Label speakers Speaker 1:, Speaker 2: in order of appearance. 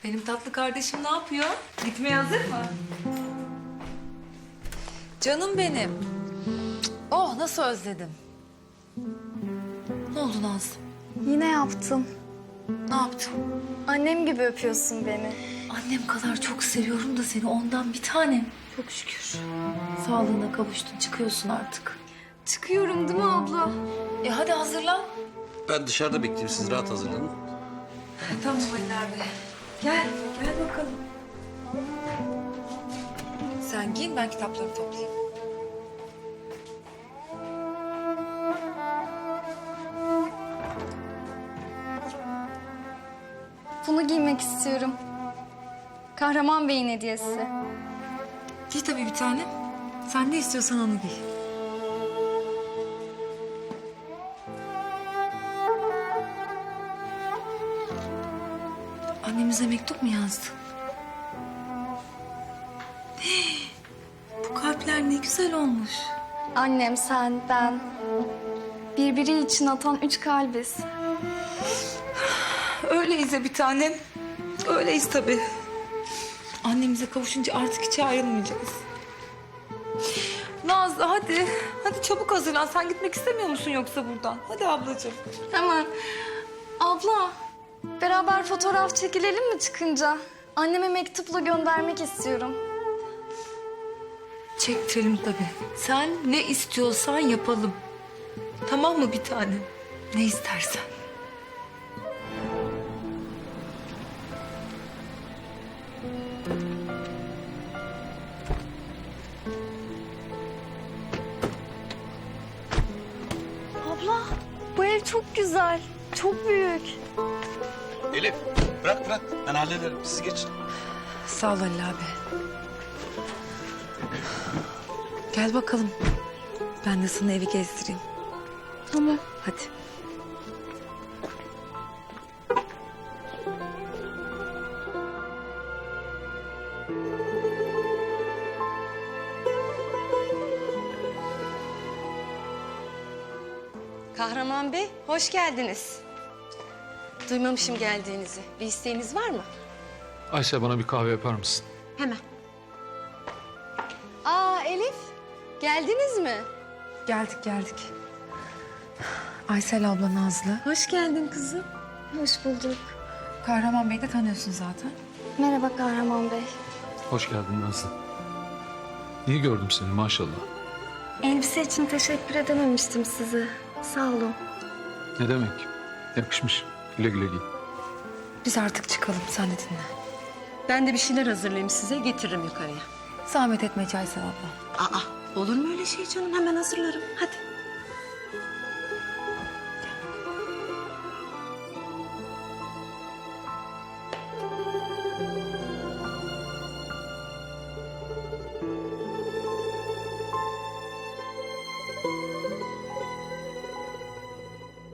Speaker 1: Benim tatlı kardeşim ne yapıyor? Gitmeye hazır mı? Canım benim. Oh nasıl özledim. Ne oldu Nazlı?
Speaker 2: Yine yaptım.
Speaker 1: Ne yaptın?
Speaker 2: Annem gibi öpüyorsun beni.
Speaker 1: Annem kadar çok seviyorum da seni ondan bir tanem. Çok şükür. Sağlığına kavuştun çıkıyorsun artık.
Speaker 2: Çıkıyorum değil mi abla?
Speaker 1: Hadi hazırlan.
Speaker 3: Ben dışarıda bekleyeyim. Siz rahat hazırlanın.
Speaker 1: Tamam Ali abi. Gel bakalım. Sen giyin ben kitapları toplayayım.
Speaker 2: Bunu giymek istiyorum. Kahraman Bey'in hediyesi.
Speaker 1: Giy tabii bir tane. Sen ne istiyorsan onu giy. Annemize mektup mu yazdı? Bu kalpler ne güzel olmuş.
Speaker 2: Annem, sen, ben. Birbiri için atan 3 kalbiz.
Speaker 1: Öyleyiz ya bir tanem. Öyleyiz tabii. Annemize kavuşunca artık hiç ayrılmayacağız. Nazlı hadi. Hadi çabuk hazırlan. Sen gitmek istemiyor musun yoksa buradan? Hadi ablacığım.
Speaker 2: Hemen. Abla, beraber fotoğraf çekilelim mi çıkınca? Anneme mektupla göndermek istiyorum.
Speaker 1: Çektirelim tabii. Sen ne istiyorsan yapalım. Tamam mı bir tanem? Ne istersen.
Speaker 2: Abla, bu ev çok güzel. Çok büyük.
Speaker 3: Elif bırak. Ben hallederim. Siz geçin.
Speaker 1: Sağ ol Ali abi. Gel bakalım. Ben de sana evi gezdireyim.
Speaker 2: Tamam.
Speaker 1: Hadi.
Speaker 4: Kahraman Bey, hoş geldiniz. Duymamışım geldiğinizi. Bir isteğiniz var mı?
Speaker 5: Ayşe bana bir kahve yapar mısın?
Speaker 4: Hemen. Aa Elif, geldiniz mi?
Speaker 1: Geldik. Aysel abla Nazlı.
Speaker 4: Hoş geldin kızım.
Speaker 2: Hoş bulduk.
Speaker 1: Kahraman Bey'i de tanıyorsun zaten.
Speaker 2: Merhaba Kahraman Bey.
Speaker 5: Hoş geldin Nazlı. İyi gördüm seni maşallah.
Speaker 2: Elbise için teşekkür edememiştim size. Sağ olun.
Speaker 5: Ne demek? Yakışmış. Güle güle giy.
Speaker 1: Biz artık çıkalım. Sen de dinle.
Speaker 4: Ben de bir şeyler hazırlayayım size, getiririm yukarıya.
Speaker 1: Zahmet etme Aysel abla.
Speaker 4: Aa, olur mu öyle şey canım? Hemen hazırlarım. Hadi.